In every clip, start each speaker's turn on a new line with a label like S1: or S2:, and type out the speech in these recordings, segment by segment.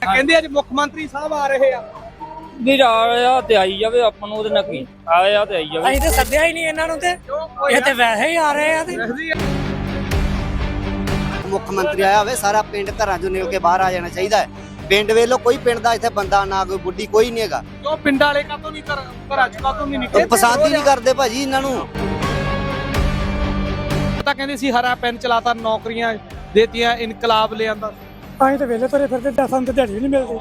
S1: ਕਹਿੰਦੇ ਅੱਜ ਮੁੱਖ ਮੰਤਰੀ ਸਾਹਿਬ ਆ ਰਹੇ ਆ
S2: ਵੀ ਆਇਆ ਤੇ ਆਈ ਜਾਵੇ ਆਪਾਂ ਨੂੰ ਉਹਦੇ ਨਾਲ ਕੀ ਆਇਆ ਤੇ ਆਈ ਜਾਵੇ।
S3: ਅਸੀਂ ਤੇ ਸੱਦਿਆ ਹੀ ਨਹੀਂ ਇਹਨਾਂ ਨੂੰ ਤੇ ਇਹ ਤੇ ਵੈਸੇ ਹੀ ਆ ਰਹੇ ਆ ਤੇ
S4: ਮੁੱਖ ਮੰਤਰੀ ਆਇਆ ਹੋਵੇ ਸਾਰਾ ਪਿੰਡ ਘਰਾਂ ਚੋਂ ਨਿਕਲ ਕੇ ਬਾਹਰ ਆ ਜਾਣਾ ਚਾਹੀਦਾ ਹੈ। ਪਿੰਡ ਵੇਲੋ ਕੋਈ ਪਿੰਡ ਦਾ ਇੱਥੇ ਬੰਦਾ ਨਾ ਕੋਈ ਬੁੱਢੀ ਕੋਈ ਨਹੀਂ ਹੈਗਾ।
S1: ਕਿਉਂ ਪਿੰਡ ਵਾਲੇ ਕਾਹਤੋਂ ਨਹੀਂ ਘਰਾਂ ਚ ਕਾਹਤੋਂ ਨਹੀਂ ਨਿਕਲੇ?
S4: ਪਸੰਦ ਹੀ ਨਹੀਂ ਕਰਦੇ ਭਾਜੀ ਇਹਨਾਂ ਨੂੰ।
S1: ਤਾਂ ਕਹਿੰਦੇ ਸੀ ਹਰਾ ਪੈਨ ਚਲਾਤਾ ਨੌਕਰੀਆਂ ਦੇਤੀਆਂ ਇਨਕਲਾਬ ਲਿਆਂਦਾ।
S3: ਅਸੀਂ ਤੇ ਵੇਲੇ ਤੁਰੇ ਫਿਰਦੇ ਤੇ ਸਾਨੂੰ ਤੇ ਦਿਹਾੜੀ ਨਹੀਂ ਮਿਲਦੀ।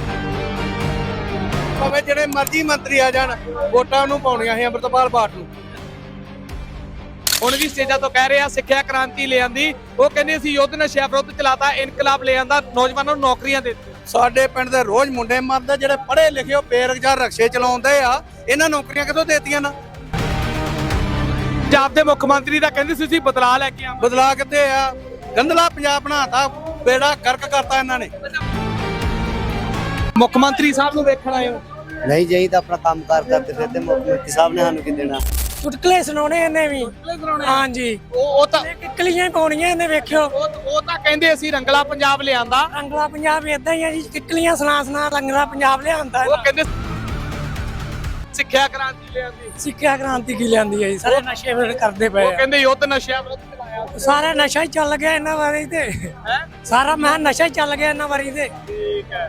S5: ਭਾਵੇਂ ਜਿਹੜੇ ਮਰਜ਼ੀ ਮੰਤਰੀ ਆ ਜਾਣ ਵੋਟਾਂ ਨੂੰ ਪਾਉਣੀਆਂ ਸੀ ਅੰਮ੍ਰਿਤਪਾਲ ਬਾਟ ਨੂੰ।
S1: ਹੁਣ ਵੀ ਸਟੇਜਾਂ ਤੋਂ ਕਹਿ ਰਹੇ ਆ ਸਿੱਖਿਆ ਕ੍ਰਾਂਤੀ ਲਿਆਂਦੀ। ਉਹ ਕਹਿੰਦੇ ਸੀ ਯੁੱਧ ਨਸ਼ਿਆਂ ਵਿਰੁੱਧ ਚਲਾਤਾ ਇਨਕਲਾਬ ਲਿਆਂਦਾ ਨੌਜਵਾਨਾਂ ਨੂੰ ਨੌਕਰੀਆਂ ਦਿੱਤੀਆਂ।
S5: ਸਾਡੇ ਪਿੰਡ ਦੇ ਰੋਜ਼ ਮੁੰਡੇ ਮਰਦੇ ਜਿਹੜੇ ਪੜ੍ਹੇ ਲਿਖੇ ਉਹ ਬੇਰੁਜ਼ਗਾਰ ਰਕਸ਼ੇ ਚਲਾਉਂਦੇ ਆ, ਇਹਨਾਂ ਨੌਕਰੀਆਂ ਕਿੱਥੋਂ ਦੇਤੀਆਂ ਨਾ।
S1: ਪੰਜਾਬ ਦੇ ਮੁੱਖ ਮੰਤਰੀ ਦਾ ਕਹਿੰਦੇ ਸੀ ਬਦਲਾਅ ਲੈ ਕੇ ਆਵਾਂ।
S5: ਬਦਲਾ ਕਿੱਥੇ ਆ? ਗੰਦਲਾ ਪੰਜਾਬ ਬਣਾਤਾ, ਬੇੜਾ ਕਰਕ ਕਰਤਾ ਇਹਨਾਂ ਨੇ।
S1: ਮੁੱਖ ਮੰਤਰੀ ਸਾਹਿਬ ਨੂੰ ਵੇਖਣ ਆਏ ਹੋ?
S4: ਨਹੀਂ ਜਾਈ ਤਾਂ ਆਪਣਾ ਕੰਮ ਕਾਰ ਕਰਦੇ ਫਿਰਦੇ। ਮੁੱਖ ਮੰਤਰੀ ਸਾਹਿਬ ਨੇ ਸਾਨੂੰ ਕੀ ਦੇਣਾ?
S3: ਚੁਟਕਲੇ ਸੁਣਾਉਣੇ ਇਹਨੇ ਵੀ। ਹਾਂਜੀ
S1: ਉਹ ਤਾਂ
S3: ਕਿੱਕਲੀਆਂ ਪਾਉਣੀਆਂ ਇਹਨੇ ਵੇਖਿਓ।
S1: ਉਹ ਤਾਂ ਕਹਿੰਦੇ ਅਸੀਂ ਰੰਗਲਾ ਪੰਜਾਬ ਲਿਆਂਦਾ।
S3: ਰੰਗਲਾ ਪੰਜਾਬ ਏਦਾਂ ਹੀ ਆ ਜੀ, ਕਿੱਕਲੀਆਂ ਸੁਣਾ ਰੰਗਲਾ ਪੰਜਾਬ ਲਿਆਂਦਾ।
S1: ਉਹ ਕਹਿੰਦੇ ਸਿੱਖਿਆ ਕ੍ਰਾਂਤੀ ਲਿਆਂਦੀ।
S3: ਸਿੱਖਿਆ ਕ੍ਰਾਂਤੀ ਕੀ ਲਿਆਂਦੀ ਹੈ ਜੀ? ਸਾਰੇ ਨਸ਼ੇ ਵਿਰੁੱਧ ਕਰਦੇ ਪਏ
S1: ਉਹ
S3: ਆ।
S1: ਕਹਿੰਦੇ ਯੁੱਧ ਨਸ਼ਿਆਂ ਵਿਰੁੱਧ ਚਲਾਇਆ।
S3: ਸਾਰਾ ਨਸ਼ਾ ਹੀ ਚੱਲ ਗਿਆ ਇਹਨਾਂ ਵਾਰੀ ਤੇ। ਸਾਰਾ ਮੈਂ ਨਸ਼ਾ ਹੀ ਚੱਲ ਗਿਆ ਇਹਨਾਂ ਵਾਰੀ ਤੇ।
S1: ਠੀਕ ਹੈ।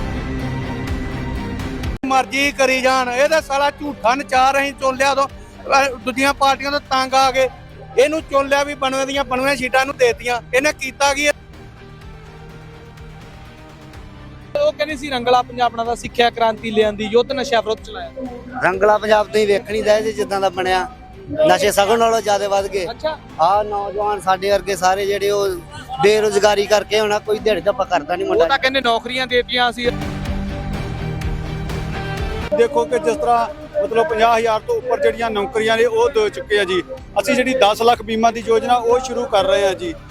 S5: ਮਰਜ਼ੀ ਕਰੀ ਜਾਣ, ਇਹ ਤਾਂ ਸਾਲਾ ਝੂਠਾ ਨਚਾਰ। ਅਸੀਂ ਚੁਣ ਲਿਆ ਉਦੋਂ ਦੂਜੀਆਂ ਪਾਰਟੀਆਂ ਤੋਂ ਤੰਗ ਆ ਗਏ, ਇਹਨੂੰ ਚੁਣ ਲਿਆ ਵੀ ਬਣਵੇਂ ਦੀਆਂ ਬਣਵੇਂ ਸੀਟਾਂ ਨੂੰ ਦੇਤੀਆਂ। ਇਹਨੇ ਕੀਤਾ ਕੀ?
S1: ਉਹ ਕਹਿੰਦੇ ਸੀ ਰੰਗਲਾ ਪੰਜਾਬ ਬਣਾਦਾ, ਸਿੱਖਿਆ ਕ੍ਰਾਂਤੀ ਲਿਆਂਦੀ, ਯੁੱਧ ਨਸ਼ਿਆਂ ਵਿਰੁੱਧ ਚਲਾਇਆ।
S4: ਰੰਗਲਾ ਪੰਜਾਬ ਤੋਂ ਹੀ ਵੇਖਣੀ ਦਾ ਜਿੱਦਾਂ ਦਾ ਬਣਿਆ। ਨਸ਼ੇ ਸਗੋਂ ਨਾਲੋਂ ਜ਼ਿਆਦਾ ਵੱਧ ਗਏ।
S1: ਅੱਛਾ।
S4: ਆਹ ਨੌਜਵਾਨ ਸਾਡੇ ਵਰਗੇ ਸਾਰੇ ਜਿਹੜੇ ਉਹ ਬੇਰੁਜ਼ਗਾਰੀ ਕਰਕੇ ਹੋਣਾ, ਕੋਈ ਦਿਹਾੜੀ ਧੱਪਾ ਕਰਦਾ ਨਹੀਂ
S1: ਉਹ
S4: ਮੁੰਡਾ।
S1: ਤਾਂ ਕਹਿੰਦੇ ਨੌਕਰੀਆਂ ਦੇਤੀਆਂ ਅਸੀਂ।
S6: ਦੇਖੋ ਕਿ ਜਿਸ ਤਰ੍ਹਾਂ ਮਤਲਬ 50,000 ਤੋਂ ਉੱਪਰ ਜਿਹੜੀਆਂ ਨੌਕਰੀਆਂ ਨੇ ਉਹ ਦੇ ਚੁੱਕੇ ਆ ਜੀ। ਅਸੀਂ ਜਿਹੜੀ 10 ਲੱਖ ਬੀਮਾ ਦੀ ਯੋਜਨਾ ਉਹ ਸ਼ੁਰੂ ਕਰ ਰਹੇ ਆ ਜੀ।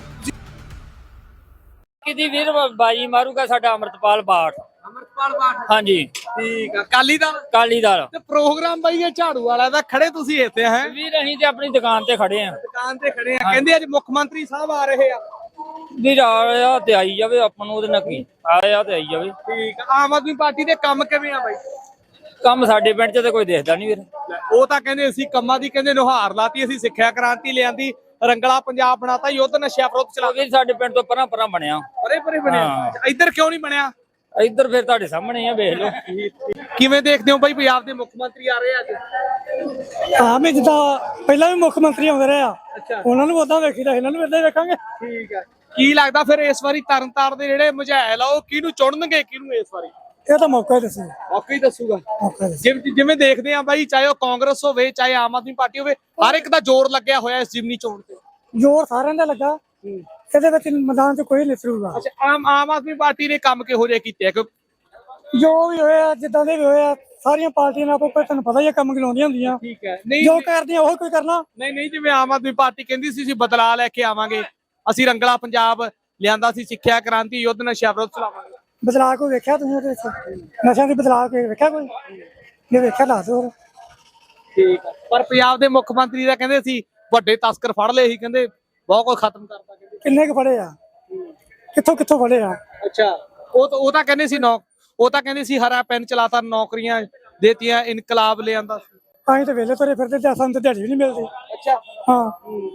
S2: ਕਿਦੀ ਵੀਰ ਬਾਜੀ ਮਾਰੂਗਾ ਸਾਡਾ ਅੰਮ੍ਰਿਤਪਾਲ ਬਾਠ।
S1: ਅਮਰਪਾਲ ਬਾਠ।
S2: ਹਾਂਜੀ
S1: ਠੀਕ ਆ। ਅਕਾਲੀ ਦਲ
S2: ਕਾਲੀ ਦਲ।
S1: ਤੇ ਪ੍ਰੋਗਰਾਮ ਬਾਈ ਇਹ ਝਾੜੂ ਵਾਲਾ ਦਾ ਖੜੇ ਤੁਸੀਂ ਇੱਥੇ ਹੈ
S2: ਵੀਰ ਅਸੀਂ ਤੇ ਆਪਣੀ ਦੁਕਾਨ ਤੇ ਖੜੇ ਆ।
S1: ਦੁਕਾਨ ਤੇ ਖੜੇ ਆ। ਕਹਿੰਦੇ ਅੱਜ ਮੁੱਖ ਮੰਤਰੀ ਸਾਹਿਬ ਆ ਰਹੇ ਆ।
S2: ਵੀਰ ਆਇਆ ਤੇ ਆਈ ਜਾਵੇ ਆਪਾਂ ਨੂੰ ਉਹਦੇ ਨਾਲ ਕੀ ਆਇਆ ਤੇ ਆਈ ਜਾਵੇ।
S1: ਠੀਕ ਆ। ਆਮ ਆਦਮੀ ਪਾਰਟੀ ਦੇ ਕੰਮ ਕਿਵੇਂ ਆ ਬਾਈ?
S2: ਕੰਮ ਸਾਡੇ ਪਿੰਡ 'ਚ ਤੇ ਕੋਈ ਦੇਖਦਾ ਨਹੀਂ ਵੀਰ।
S1: ਉਹ ਤਾਂ ਕਹਿੰਦੇ ਅਸੀਂ ਕੰਮਾਂ ਦੀ ਕਹਿੰਦੇ ਨੁਹਾਰ ਲਾਤੀ, ਅਸੀਂ ਸਿੱਖਿਆ ਕ੍ਰਾਂਤੀ ਲਿਆਂਦੀ, ਰੰਗਲਾ ਪੰਜਾਬ ਬਣਾਤਾ, ਯੁੱਧ ਨਸ਼ਿਆਂ ਵਿਰੁੱਧ ਚਲਾ।
S2: ਵੀਰ ਸਾਡੇ ਪਿੰਡ ਤੋਂ ਪਰਾਂ ਬਣਿਆ।
S1: ਪਰੇ ਬਣਿਆ। ਇੱਧਰ ਕਿਉਂ ਨਹੀਂ ਬਣਿਆ?
S2: ਇੱਧਰ ਫਿਰ ਤੁਹਾਡੇ ਸਾਹਮਣੇ ਆ, ਵੇਖ ਲਓ।
S1: ਕਿਵੇਂ ਦੇਖਦੇ ਹੋ ਬਾਈ ਪੰਜਾਬ ਦੇ ਮੁੱਖ ਮੰਤਰੀ ਆ ਰਹੇ ਅੱਜ?
S3: ਹਾਂ ਮੈਂ ਜਿੱਦਾਂ ਪਹਿਲਾਂ ਵੀ ਮੁੱਖ ਮੰਤਰੀ ਆਉਂਦੇ ਰਹੇ ਆ,
S1: ਅੱਛਾ।
S3: ਉਹਨਾਂ ਨੂੰ ਉਦਾਂ ਵੇਖੀਦਾ, ਇਹਨਾਂ ਨੂੰ ਇਦਾਂ ਹੀ ਵੇਖਾਂਗੇ।
S1: ਠੀਕ ਹੈ। ਕੀ ਲੱਗਦਾ ਫਿਰ ਇਸ ਵਾਰੀ ਤਰਨਤਾਰਨ ਦੇ ਜਿਹੜੇ ਮਝੈਲ ਆ ਉਹ ਕਿਹਨੂੰ ਚੁਣਨਗੇ, ਕਿਹਨੂੰ ਇਸ ਵਾਰੀ?
S3: ਇਹ ਤਾਂ ਮੌਕਾ ਹੀ ਦੱਸੋ।
S1: ਮੌਕਾ ਹੀ ਦੱਸੂਗਾ।
S3: ਮੌਕਾ ਦੱਸੋ।
S1: ਜਿਵੇਂ ਦੇਖਦੇ ਆ ਬਾਈ, ਚਾਹੇ ਉਹ ਕਾਂਗਰਸ ਹੋਵੇ ਚਾਹੇ ਆਮ ਆਦਮੀ ਪਾਰਟੀ ਹੋਵੇ, ਹਰ ਇੱਕ ਦਾ ਜ਼ੋਰ ਲੱਗਿਆ ਹੋਇਆ ਇਸ ਜਿਮਨੀ ਚੋਣ ਤੇ।
S3: ਜ਼ੋਰ ਸਾਰਿਆਂ ਦਾ ਲੱਗਾ, ਇਹਦੇ ਵਿੱਚ ਮੈਦਾਨ 'ਚ ਕੋਈ ਨਿਸਰੂਗਾ।
S1: ਅੱਛਾ। ਆਮ ਆਦਮੀ ਪਾਰਟੀ ਨੇ ਕੰਮ ਕਿਹੋ ਜਿਹੇ ਕੀਤੇ ਆ?
S3: ਜੋ ਵੀ ਹੋਇਆ, ਜਿੱਦਾਂ ਦੇ ਵੀ ਹੋਇਆ, ਸਾਰੀਆਂ ਪਾਰਟੀਆਂ ਨਾਲ ਕੋਈ ਤੁਹਾਨੂੰ ਪਤਾ ਹੀ ਆ ਕੰਮ ਗਿਲਾਉਂਦੀਆਂ ਹੁੰਦੀਆਂ।
S1: ਠੀਕ ਹੈ। ਨਹੀਂ
S3: ਜੋ ਕਰਦੀਆਂ ਉਹ ਕੋਈ ਕਰਨਾ।
S1: ਨਹੀਂ ਜਿਵੇਂ ਆਮ ਆਦਮੀ ਪਾਰਟੀ ਕਹਿੰਦੀ ਸੀ ਅਸੀਂ ਬਦਲਾਅ ਲੈ ਕੇ ਆਵਾਂਗੇ, ਅਸੀਂ ਰੰਗਲਾ ਪੰਜਾਬ ਲਿਆਂਦਾ ਸੀ, ਸਿੱਖਿਆ ਕ੍ਰਾਂਤੀ, ਯੁੱਧ ਨਸ਼ਿਆਂ ਵਿਰੁੱਧ ਚਲਾਵਾਂਗੇ।
S3: ਬਦਲਾਅ ਕੋਈ ਵੇਖਿਆ ਤੁਸੀਂ ਉਹਦੇ ਵਿੱਚ? ਨਸ਼ਿਆਂ ਦੀ ਬਦਲਾਅ ਕੋਈ ਵੇਖਿਆ? ਕੋਈ ਜੇ ਵੇਖਿਆ ਦੱਸ ਦਿਓ।
S1: ਠੀਕ ਹੈ। ਪਰ ਪੰਜਾਬ ਦੇ ਮੁੱਖ ਮੰਤਰੀ ਦਾ ਕਹਿੰਦੇ ਸੀ ਵੱਡੇ ਤਸਕਰ ਫੜ ਲਏ ਸੀ, ਕਹਿੰਦੇ ਬਹੁਤ ਕੁਝ ਖਤਮ ਕਰਤਾ। ਕਹਿੰਦੇ
S3: ਕਿੰਨੇ ਕੁ ਫੜੇ ਆ? ਕਿੱਥੋਂ ਫੜੇ ਆ?
S1: ਅੱਛਾ। ਉਹ ਤਾਂ ਕਹਿੰਦੇ ਸੀ ਉਹ ਤਾਂ ਕਹਿੰਦੇ ਸੀ ਹਰਾ ਪੈਨ ਚਲਾਤਾ ਨੌਕਰੀਆਂ ਦੇਤੀਆਂ ਇਨਕਲਾਬ ਲਿਆਂਦਾ ਸੀ।
S3: ਅਸੀਂ ਤੇ ਵੇਲੇ ਤੁਰੇ ਫਿਰਦੇ ਤੇ ਸਾਨੂੰ ਤੇ ਦਿਹਾੜੀ ਵੀ ਨਹੀਂ ਮਿਲਦੀ।
S1: ਅੱਛਾ।
S3: ਹਾਂ।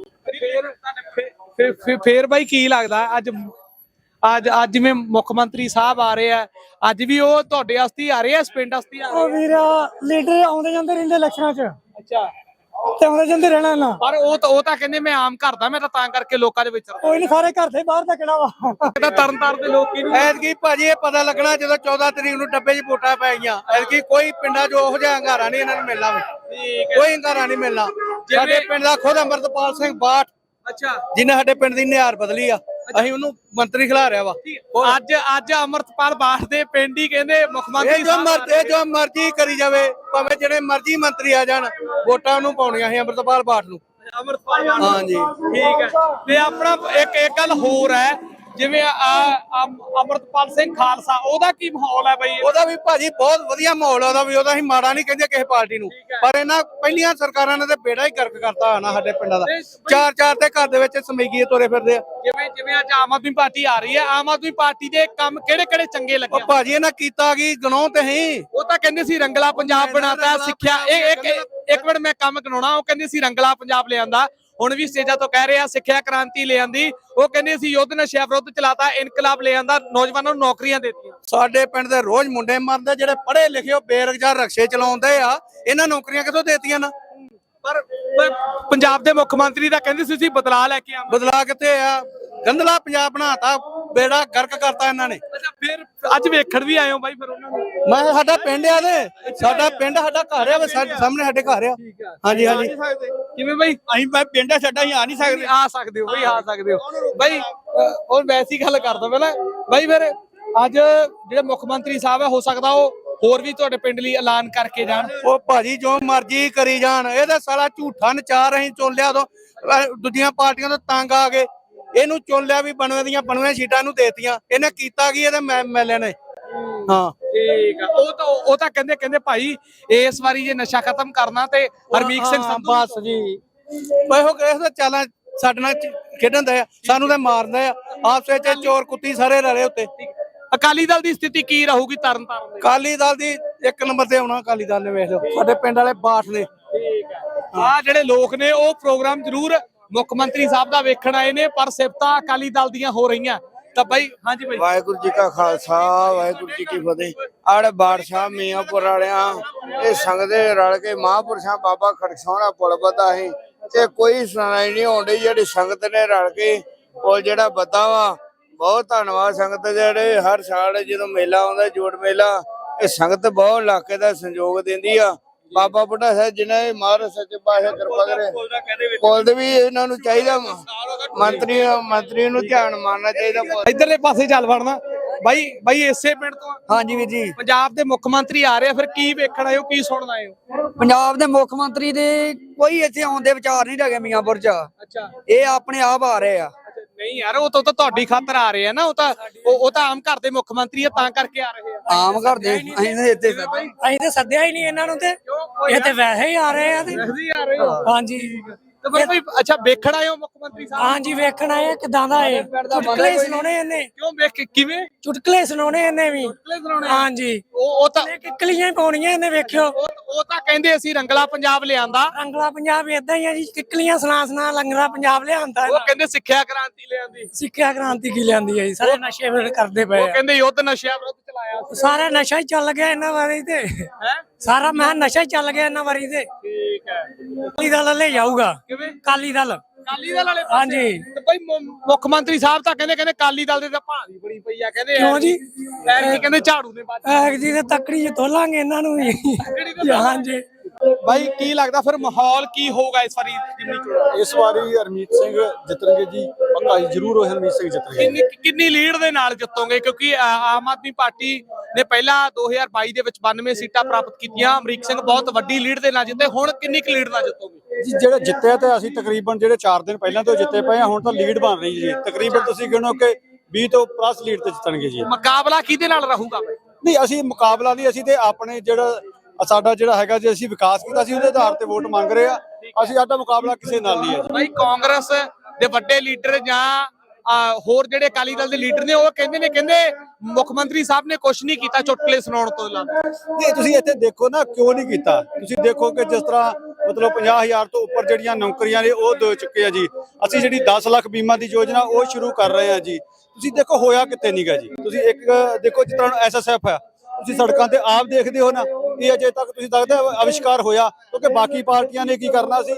S1: ਫੇਰ ਬਾਈ ਕੀ ਲੱਗਦਾ ਅੱਜ ਜਿਵੇਂ ਮੁੱਖ ਮੰਤਰੀ ਸਾਹਿਬ ਆ ਰਹੇ ਆ, ਅੱਜ ਵੀ ਉਹ ਤੁਹਾਡੇ ਵਾਸਤੇ ਆ ਰਹੇ ਆ, ਇਸ ਪਿੰਡ ਵਾਸਤੇ ਆ
S3: ਉਹ
S1: ਰਹੇ
S3: ਵੀਰ ਲੀਡਰ ਆਉਂਦੇ ਜਾਂਦੇ ਰਹਿੰਦੇ ਇਲੈਕਸ਼ਨਾਂ 'ਚ,
S1: ਅੱਛਾ।
S3: ਤੇ ਆਉਂਦੇ ਜਾਂਦੇ ਰਹਿਣਾ ਨਾ।
S1: ਪਰ ਉਹ ਤਾਂ ਕਹਿੰਦੇ ਮੈਂ ਆਮ ਘਰ ਦਾ, ਮੈਂ ਤਾਂ ਕਰਕੇ ਲੋਕਾਂ ਦੇ ਵਿੱਚ
S3: ਕੋਈ ਨਹੀਂ, ਸਾਰੇ ਘਰ ਦੇ ਬਾਹਰ ਦਾ ਕਿਹੜਾ ਵਾ।
S1: ਤਰਨਤਾਰਨ ਦੇ ਲੋਕ ਕਿਹਨੂੰ
S5: ਐਤਕੀ ਭਾਜੀ ਇਹ ਪਤਾ ਲੱਗਣਾ ਜਦੋਂ 14 ਤਰੀਕ ਨੂੰ ਡੱਬੇ 'ਚ ਵੋਟਾਂ ਪੈ ਗਈਆਂ। ਐਤਕੀ ਕੋਈ ਪਿੰਡਾਂ 'ਚ ਉਹੋ ਜਿਹਾ ਹੰਗਾਰਾ ਨਹੀਂ ਇਹਨਾਂ ਨੂੰ ਮਿਲਣਾ ਵੀ। ਕੋਈ ਹੰਗਾਰਾ ਨਹੀਂ ਮਿਲਣਾ। ਸਾਡੇ ਪਿੰਡ ਦਾ ਖੁਦ ਅੰਮ੍ਰਿਤਪਾਲ ਸਿੰਘ ਬਾਠ,
S1: ਅੱਛਾ,
S5: ਜਿਹਨੇ ਸਾਡੇ ਪਿੰਡ ਦੀ ਨਿਹਾਰ ਬਦਲੀ ਆ, ਅਸੀਂ ਉਹਨੂੰ ਮੰਤਰੀ ਖਿਲਾ ਰਿਹਾ ਵਾ।
S1: ਅੱਜ ਅਮਰਤਪਾਲ ਬਾਠ ਦੇ ਪਿੰਡ ਹੀ ਕਹਿੰਦੇ ਮੁੱਖ ਮੰਤਰੀ
S5: ਜੋ ਮਰਜ਼ੀ ਕਰੀ ਜਾਵੇ, ਭਾਵੇਂ ਜਿਹੜੇ ਮਰਜ਼ੀ ਮੰਤਰੀ ਆ ਜਾਣ ਵੋਟਾਂ ਨੂੰ ਪਾਉਣੀਆਂ ਸੀ ਅੰਮ੍ਰਿਤਪਾਲ ਬਾਠ ਨੂੰ।
S1: ਅਮਰਤਪਾਲ
S5: ਹਾਂਜੀ।
S1: ਠੀਕ ਹੈ। ਤੇ ਆਪਣਾ ਇੱਕ ਗੱਲ ਹੋਰ ਹੈ, ਜਿਵੇਂ ਅਮਰਤਪਾਲ ਸਿੰਘ ਖਾਲਸਾ ਉਹਦਾ ਕੀ ਮਾਹੌਲ ਹੈ ਬਈ?
S5: ਉਹਦਾ ਵੀ ਭਾਜੀ ਬਹੁਤ ਵਧੀਆ ਮਾਹੌਲ ਆ ਉਹਦਾ ਵੀ। ਉਹਦਾ ਅਸੀਂ ਮਾੜਾ ਨਹੀਂ ਕਹਿੰਦੇ ਕਿਸੇ ਪਾਰਟੀ ਨੂੰ, ਪਰ ਇਹਨਾਂ ਪਹਿਲੀਆਂ ਸਰਕਾਰਾਂ ਨੇ ਤੇ ਬੇੜਾ ਹੀ ਗਰਕ ਕਰਤਾ ਹੋਣਾ ਸਾਡੇ ਪਿੰਡਾਂ ਦਾ। ਚਾਰ ਤੇ ਘਰ ਦੇ ਵਿੱਚ ਸਮੀਗੀਏ ਤੁਰੇ ਫਿਰਦੇ ਆ।
S1: ਜਿਵੇਂ ਅੱਜ ਆਮ ਆਦਮੀ ਪਾਰਟੀ ਆ ਰਹੀ ਹੈ, ਆਮ ਆਦਮੀ ਪਾਰਟੀ ਦੇ ਕੰਮ ਕਿਹੜੇ ਚੰਗੇ ਲੱਗੇ?
S5: ਉਹ ਭਾਜੀ ਇਹਨਾਂ ਕੀਤਾ ਕੀ ਗਣਾਉ ਤੇ ਹੀ।
S1: ਉਹ ਤਾਂ ਕਹਿੰਦੇ ਸੀ ਰੰਗਲਾ ਪੰਜਾਬ ਬਣਾਤਾ, ਸਿੱਖਿਆ ਇੱਕ ਮਿੰਟ ਮੈਂ ਕੰਮ ਗਣਾਉਣਾ। ਉਹ ਕਹਿੰਦੇ ਸੀ ਰੰਗਲਾ ਪੰਜਾਬ ਲਿਆਂਦਾ, ਹੁਣ ਵੀ ਸਟੇਜਾਂ ਤੋਂ ਕਹਿ ਰਹੇ ਆ ਸਿੱਖਿਆ ਕ੍ਰਾਂਤੀ ਲਿਆਂਦੀ। ਉਹ ਕਹਿੰਦੇ ਸੀ ਯੁੱਧ ਨਸ਼ਿਆਂ ਵਿਰੁੱਧ ਚਲਾਤਾ, ਇਨਕਲਾਬ ਲਿਆਂਦਾ, ਨੌਜਵਾਨਾਂ ਨੂੰ ਨੌਕਰੀਆਂ ਦਿੱਤੀਆਂ।
S5: ਸਾਡੇ ਪਿੰਡ ਦੇ ਰੋਜ਼ ਮੁੰਡੇ ਮਰਦੇ ਜਿਹੜੇ ਪੜ੍ਹੇ ਲਿਖੇ ਉਹ ਬੇਰੁਜ਼ਗਾਰ ਰਕਸ਼ੇ ਚਲਾਉਂਦੇ ਆ, ਇਹਨਾਂ ਨੌਕਰੀਆਂ ਕਿੱਥੋਂ ਦੇਤੀਆਂ ਨਾ?
S1: ਪਰ ਪੰਜਾਬ ਦੇ ਮੁੱਖ ਮੰਤਰੀ ਤਾਂ ਕਹਿੰਦੇ ਸੀ ਬਦਲਾਅ ਲੈ ਕੇ ਆਵਾਂਗੇ।
S5: ਬਦਲਾ ਕਿੱਥੇ ਆ? ਗੰਦਲਾ ਪੰਜਾਬ ਬਣਾਤਾ, ਬੇੜਾ ਗਰਕ ਕਰਤਾ ਇਹਨਾਂ ਨੇ।
S1: ਅੱਛਾ, ਫਿਰ ਅੱਜ ਵੇਖਣ ਵੀ ਆਏ ਹੋ ਬਾਈ ਫਿਰ ਉਹਨਾਂ ਨੂੰ?
S5: ਮੈਂ ਸਾਡਾ ਪਿੰਡ ਆ ਤੇ ਸਾਡਾ ਪਿੰਡ ਸਾਡਾ ਘਰ ਆ, ਸਾਹਮਣੇ ਸਾਡੇ ਘਰ ਆ। ਹਾਂਜੀ ਹਾਂਜੀ।
S1: ਕਿਵੇਂ ਬਾਈ?
S6: ਅਸੀਂ ਪਿੰਡ ਆ ਸਾਡਾ, ਅਸੀਂ ਆ ਨਹੀਂ ਸਕਦੇ।
S1: ਆ ਸਕਦੇ ਹੋ ਬਈ, ਆ ਸਕਦੇ ਹੋ ਬਾਈ। ਉਹ ਵੈਸੀ ਗੱਲ ਕਰਦਾ ਪਹਿਲਾਂ ਬਾਈ। ਫਿਰ ਅੱਜ ਜਿਹੜੇ ਮੁੱਖ ਮੰਤਰੀ ਸਾਹਿਬ ਹੈ, ਹੋ ਸਕਦਾ ਉਹ ਹੋਰ ਵੀ ਤੁਹਾਡੇ ਪਿੰਡ ਲਈ ਐਲਾਨ ਕਰਕੇ ਜਾਣ।
S5: ਉਹ ਭਾਜੀ ਜੋ ਮਰਜ਼ੀ ਕਰੀ ਜਾਣ, ਇਹ ਤਾਂ ਸਾਰਾ ਝੂਠਾ ਨਚਾਰ। ਅਸੀਂ ਚੁਣ ਲਿਆ ਉਦੋਂ, ਦੂਜੀਆਂ ਪਾਰਟੀਆਂ ਤੋਂ ਤੰਗ ਆ ਗਏ, ਇਹਨੂੰ ਚੁਣ ਲਿਆ ਵੀ ਬਣਵੇਂ ਦੀਆਂ ਬਣਵੇਂ ਸੀਟਾਂ ਨੂੰ ਦੇਤੀਆਂ। ਇਹਨੇ ਕੀਤਾ ਕੀ ਇਹਦੇ ਐਮਐਲਏ ਨੇ? ਹਾਂ
S1: ਠੀਕ ਆ। ਉਹ ਤਾਂ ਕਹਿੰਦੇ ਭਾਈ ਇਸ ਵਾਰੀ ਜੇ ਨਸ਼ਾ ਖਤਮ ਕਰਨਾ ਤੇ ਹਰਮੀਤ ਸਿੰਘ ਸੰਧੂ
S5: ਬਸ ਜੀ। ਇਹੋ ਕਿਸ ਚਾਲਾਂ ਸਾਡੇ ਨਾਲ ਖੇਡਣ ਦਾ ਆ, ਸਾਨੂੰ ਤਾਂ ਮਾਰਦਾ ਆ। ਆਪਸ ਵਿੱਚ ਚੋਰ ਕੁੱਤੀ ਸਾਰੇ ਰਲੇ ਉੱਤੇ।
S1: ਅਕਾਲੀ ਦਲ ਦੀ ਸਥਿਤੀ ਕੀ ਰਹੂਗੀ ਤਰਨਤਾਰਨ ਦੇ?
S5: ਅਕਾਲੀ ਦਲ ਦੀ 1 ਨੰਬਰ ਤੇ ਆਉਣਾ ਅਕਾਲੀ ਦਲ ਨੇ। ਵੇਖ ਲਓ ਸਾਡੇ ਪਿੰਡ ਵਾਲੇ ਬਾਠ ਨੇ।
S1: ਠੀਕ ਆ। ਆ ਜਿਹੜੇ ਲੋਕ ਨੇ ਉਹ ਪ੍ਰੋਗਰਾਮ ਜ਼ਰੂਰ ਮੁੱਖ ਮੰਤਰੀ ਸਾਹਿਬ ਦਾ ਵੇਖਣ ਆਏ ਨੇ, ਪਰ ਸਿਫਤਾਂ ਅਕਾਲੀ ਦਲ ਦੀਆਂ ਹੋ ਰਹੀਆਂ। ਤਾਂ ਬਾਈ ਹਾਂਜੀ ਬਾਈ।
S7: ਵਾਹਿਗੁਰੂ ਜੀ ਕਾ ਖਾਲਸਾ ਵਾਹਿਗੁਰੂ ਜੀ ਕੀ ਫਤਿਹ। ਆੜੇ ਬਾਦਸ਼ਾਹ ਮੀਆਂਪੁਰ ਵਾਲਿਆਂ ਇਹ ਸੰਗਦੇ ਰਲ ਕੇ ਮਹਾਂਪੁਰਸ਼ਾਂ ਬਾਬਾ ਖੜਕਸਾਉਣਾ ਪੁਲ ਬੱਧਾ ਸੀ ਤੇ ਕੋਈ ਸੁਣਾਈ ਨਹੀਂ ਆਉਂਦੀ। ਜਿਹੜੀ ਸੰਗਤ ਨੇ ਰਲ ਕੇ ਪੁਲ ਜਿਹੜਾ ਬੱਧਾ ਵਾ, ਬਹੁਤ ਧੰਨਵਾਦ ਸੰਗਤ। ਜਿਹੜੇ ਹਰ ਸਾਲ ਜਦੋਂ ਮੇਲਾ ਆਉਂਦਾ ਜੋੜ ਮੇਲਾ, ਇਹ ਸੰਗਤ ਬਹੁਤ ਇਲਾਕੇ ਦਾ ਸੰਯੋਗ ਦਿੰਦੀ ਆ। ਬਾਬਾ ਬੁੱਢਾ ਸਾਹਿਬ ਜਿਹਨੇ ਮਹਾਰਾਜ ਸੱਚੇ ਪਾਤਸ਼ਾਹ ਕਿਰਪਾ ਕਰੇ, ਪੁੱਲ ਦੇ ਵੀ ਇਹਨਾਂ ਨੂੰ ਚਾਹੀਦਾ, ਮੰਤਰੀ ਨੂੰ ਧਿਆਨ ਮਾਰਨਾ ਚਾਹੀਦਾ।
S1: ਇਧਰਲੇ ਪਾਸੇ ਚੱਲ ਵੜਨਾ ਬਾਈ ਇਸੇ ਪਿੰਡ ਤੋਂ?
S8: ਹਾਂਜੀ ਵੀਰ ਜੀ।
S1: ਪੰਜਾਬ ਦੇ ਮੁੱਖ ਮੰਤਰੀ ਆ ਰਹੇ ਆ, ਫਿਰ ਕੀ ਵੇਖਣ ਆਏ ਹੋ, ਕੀ ਸੁਣਨ ਆਏ ਹੋ?
S8: ਪੰਜਾਬ ਦੇ ਮੁੱਖ ਮੰਤਰੀ ਦੇ ਕੋਈ ਇੱਥੇ ਆਉਣ ਦੇ ਵਿਚਾਰ ਨਹੀਂ ਹੈਗੇ ਮੀਆਂਪੁਰ ਚ।
S1: ਅੱਛਾ,
S8: ਇਹ ਆਪਣੇ ਆਪ ਆ ਰਹੇ ਆ।
S1: ਨਹੀਂ ਯਾਰ, ਉਹ ਤਾਂ ਤੁਹਾਡੀ ਖਾਤਰ ਆ ਰਹੇ ਆ ਨਾ। ਉਹ ਤਾਂ ਆਮ ਘਰ ਦੇ ਮੁੱਖ ਮੰਤਰੀ ਆ, ਤਾਂ ਕਰਕੇ ਆ ਰਹੇ ਆ।
S8: ਆਮ ਘਰ ਦੇ ਅਸੀਂ ਤੇ ਸੱਦਿਆ ਹੀ ਨਹੀਂ ਇਹਨਾਂ ਨੂੰ, ਤੇ ਇਹ ਤੇ ਵੈਸੇ ਹੀ ਆ ਰਹੇ ਆ। ਤੇ
S1: ਵੈਸੇ ਹੀ ਆ ਰਹੇ ਹੋ?
S8: ਹਾਂਜੀ।
S1: ਤੇ ਬਈ ਅੱਛਾ, ਵੇਖਣ ਆਏ ਹੋ ਮੁੱਖ ਮੰਤਰੀ ਸਾਹਿਬ?
S8: ਹਾਂਜੀ ਵੇਖਣ ਆਏ। ਕਿਦਾਂ ਦਾ ਇਹ ਚੁਟਕਲੇ ਸੁਣਾਉਣੇ ਇਹਨੇ?
S1: ਕਿਉਂ ਕਿਵੇਂ
S8: ਚੁਟਕਲੇ ਸੁਣਾਉਣੇ ਇਹਨੇ ਵੀ? ਹਾਂਜੀ।
S1: ਉਹ ਤਾਂ
S8: ਕਿੱਕਲੀਆਂ ਪਾਉਣੀਆਂ ਇਹਨੇ, ਵੇਖਿਓ।
S1: ਉਹ ਤਾਂ ਕਹਿੰਦੇ ਅਸੀਂ ਰੰਗਲਾ ਪੰਜਾਬ ਲਿਆਂਦਾ।
S8: ਰੰਗਲਾ ਪੰਜਾਬ ਏਦਾਂ ਹੀ ਆ ਜੀ, ਕਿੱਕਲੀਆਂ ਸੁਣਾ ਰੰਗਲਾ ਪੰਜਾਬ ਲਿਆਂਦਾ।
S1: ਉਹ ਕਹਿੰਦੇ ਸਿੱਖਿਆ ਕ੍ਰਾਂਤੀ ਲਿਆਂਦੀ।
S8: ਸਿੱਖਿਆ ਕ੍ਰਾਂਤੀ ਕੀ ਲਿਆਂਦੀ ਹੈ ਜੀ? ਸਾਰੇ ਨਸ਼ੇ ਫਿਰ ਕਰਦੇ ਪਏ
S1: ਉਹ ਕਹਿੰਦੇ ਯੁੱਧ ਨਸ਼ਿਆਂ ਵਿਰੁੱਧ ਚਲਾਇਆ।
S8: ਸਾਰਾ ਨਸ਼ਾ ਹੀ ਚੱਲ ਗਿਆ ਇਹਨਾਂ ਵਾਰੀ ਤੇ। ਸਾਰਾ ਮੈਂ ਨਸ਼ਾ ਹੀ ਚੱਲ ਗਿਆ ਇਹਨਾਂ ਵਾਰੀ ਤੇ।
S1: ਠੀਕ ਹੈ।
S8: ਅਕਾਲੀ ਦਲ ਲੈ ਜਾਊਗਾ।
S1: ਕਿਵੇਂ?
S8: ਅਕਾਲੀ ਦਲ
S1: ਵਾਲੇ ਪਾਸੇ?
S8: ਹਾਂਜੀ।
S1: ਤੇ ਭਾਈ ਮੁੱਖ ਮੰਤਰੀ ਸਾਹਿਬ ਤਾਂ ਕਹਿੰਦੇ ਅਕਾਲੀ ਦਲ ਦੇ ਤਾਂ ਭਾਰੀ ਬੜੀ ਪਈ ਆ। ਕਹਿੰਦੇ
S8: ਕਿਉਂ ਜੀ?
S1: ਕਹਿੰਦੇ ਝਾੜੂ ਨੇ ਬਾਤ
S8: ਜੀ ਤੇ ਤੱਕੜੀ ਚ ਤੋਲਾਂਗੇ ਇਹਨਾਂ ਨੂੰ ਵੀ। ਹਾਂਜੀ।
S1: ਭਾਈ ਕੀ ਲੱਗਦਾ ਫਿਰ ਮਾਹੌਲ ਕੀ ਹੋਊਗਾ ਇਸ ਵਾਰੀ ਜਿਮਨੀ ਚੋਣ?
S6: ਇਸ ਵਾਰੀ ਹਰਮੀਤ ਸਿੰਘ ਜਿੱਤਣਗੇ ਜੀ, ਪੱਕਾ ਹੀ ਜ਼ਰੂਰ ਉਹ ਹਰਮੀਤ ਸਿੰਘ ਜਿੱਤਣਗੇ।
S1: ਕਿੰਨੀ ਲੀਡ ਦੇ ਨਾਲ ਜਿੱਤੋਗੇ? ਕਿਉਂਕਿ ਆਮ ਆਦਮੀ ਪਾਰਟੀ ਨੇ ਪਹਿਲਾਂ 2022 ਦੇ ਵਿੱਚ 92 ਸੀਟਾਂ ਪ੍ਰਾਪਤ ਕੀਤੀਆਂ। ਅਮਰੀਕ ਸਿੰਘ ਬਹੁਤ ਵੱਡੀ ਲੀਡ ਦੇ ਨਾਲ ਜਿੱਤੇ, ਹੁਣ ਕਿੰਨੀ ਕੁ ਲੀਡ ਨਾਲ ਜਿੱਤੋਗੇ?
S6: ਜੀ ਜਿਹੜਾ ਜਿੱਤਿਆ ਤੇ ਅਸੀਂ ਤਕਰੀਬਨ ਜਿਹੜੇ 4 ਦਿਨ ਪਹਿਲਾਂ ਤੋਂ ਜਿੱਤੇ ਪਏ ਆ, ਹੁਣ ਤਾਂ ਲੀਡ ਬਣ ਰਹੀ ਜੀ। ਤਕਰੀਬਨ ਤੁਸੀਂ ਗਿਣੋ ਕਿ 20 ਤੋਂ ਪਲੱਸ ਲੀਡ ਤੇ ਜਿੱਤਣਗੇ ਜੀ।
S1: ਮੁਕਾਬਲਾ ਕਿਹਦੇ ਨਾਲ ਰਹੂਗਾ?
S6: ਨਹੀਂ, ਅਸੀਂ ਮੁਕਾਬਲਾ ਨਹੀਂ, ਅਸੀਂ ਤੇ ਆਪਣੇ ਸਾਡਾ ਜਿਹੜਾ ਹੈਗਾ ਜੀ, ਅਸੀਂ ਵਿਕਾਸ ਕੀਤਾ ਸੀ ਉਹਦੇ ਆਧਾਰ ਤੇ ਵੋਟ ਮੰਗ ਰਹੇ ਆ। ਅਸੀਂ ਸਾਡਾ ਮੁਕਾਬਲਾ ਕਿਸੇ ਨਾਲ ਨਹੀਂ ਹੈ ਜੀ।
S1: ਭਾਈ ਕਾਂਗਰਸ ਦੇ ਵੱਡੇ ਲੀਡਰ ਜਾਂ ਹੋਰ ਜਿਹੜੇ ਅਕਾਲੀ ਦਲ ਦੇ ਲੀਡਰ ਨੇ, ਉਹ ਕਹਿੰਦੇ ਮੁੱਖ ਮੰਤਰੀ ਸਾਹਿਬ ਨੇ ਕੁਝ ਨਹੀਂ ਕੀਤਾ ਚੁਟਕਲੇ ਸੁਣਾਉਣ ਤੋਂ ਇਲਾਵਾ।
S6: ਨਹੀਂ, ਤੁਸੀਂ ਇੱਥੇ ਦੇਖੋ ਨਾ ਕਿਉਂ ਨਹੀਂ ਕੀਤਾ। ਤੁਸੀਂ ਦੇਖੋ ਕਿ ਜਿਸ ਤਰ੍ਹਾਂ ਮਤਲਬ 50,000 ਤੋਂ ਉੱਪਰ ਜਿਹੜੀਆਂ ਨੌਕਰੀਆਂ ਨੇ ਉਹ ਦੇ ਚੁੱਕੇ ਆ ਜੀ। ਅਸੀਂ ਜਿਹੜੀ 10 ਲੱਖ ਬੀਮਾ ਦੀ ਯੋਜਨਾ ਉਹ ਸ਼ੁਰੂ ਕਰ ਰਹੇ ਆ ਜੀ। ਤੁਸੀਂ ਦੇਖੋ ਹੋਇਆ ਕਿਤੇ ਨਹੀਂਗਾ ਜੀ। ਤੁਸੀਂ ਇੱਕ ਦੇਖੋ ਜਿਸ ਤਰ੍ਹਾਂ SSF ਆ, ਤੁਸੀਂ ਸੜਕਾਂ ਤੇ ਆਪ ਦੇਖਦੇ ਹੋ ਨਾ, ਇਹ ਅਜੇ ਤੱਕ ਤੁਸੀਂ ਦੱਸਦੇ ਅਵਿਸ਼ਕਾਰ ਹੋਇਆ। ਕਿਉਂਕਿ ਬਾਕੀ ਪਾਰਟੀਆਂ ਨੇ ਕੀ ਕਰਨਾ ਸੀ,